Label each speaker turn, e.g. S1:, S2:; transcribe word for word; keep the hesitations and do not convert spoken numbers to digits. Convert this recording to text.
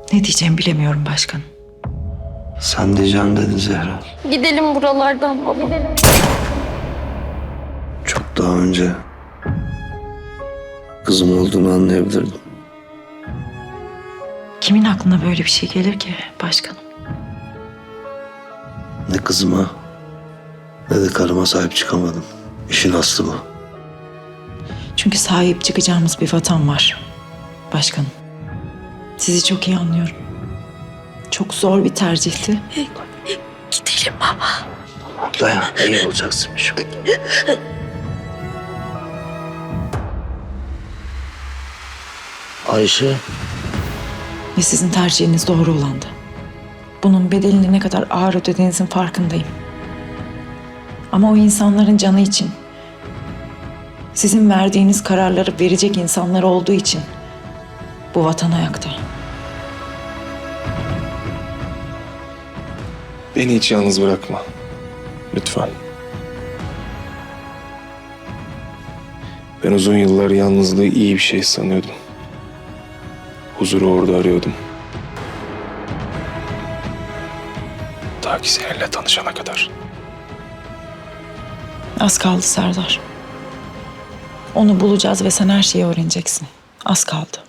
S1: Ne diyeceğimi bilemiyorum başkanım.
S2: Sen diyeceğim dedin Zehra.
S3: Gidelim buralardan baba. Gidelim.
S2: Çok daha önce kızım olduğunu anlayabilirdim.
S1: Kimin aklına böyle bir şey gelir ki başkanım?
S2: Ne kızıma ne de karıma sahip çıkamadım. İşin aslı bu.
S1: Çünkü sahip çıkacağımız bir vatan var başkanım. Sizi çok iyi anlıyorum. Çok zor bir tercihti.
S3: Gidelim baba.
S2: Dayan, iyi olacaksın şu. Ayşe.
S1: Ve sizin tercihiniz doğru olandı. Bunun bedelini ne kadar ağır ödediğinizin farkındayım. Ama o insanların canı için, sizin verdiğiniz kararları verecek insanlar olduğu için bu vatan ayakta.
S4: Beni hiç yalnız bırakma. Lütfen. Ben uzun yıllar yalnızlığı iyi bir şey sanıyordum. Huzuru orada arıyordum. Ta ki seninle tanışana kadar.
S1: Az kaldı Serdar. Onu bulacağız ve sen her şeyi öğreneceksin. Az kaldı.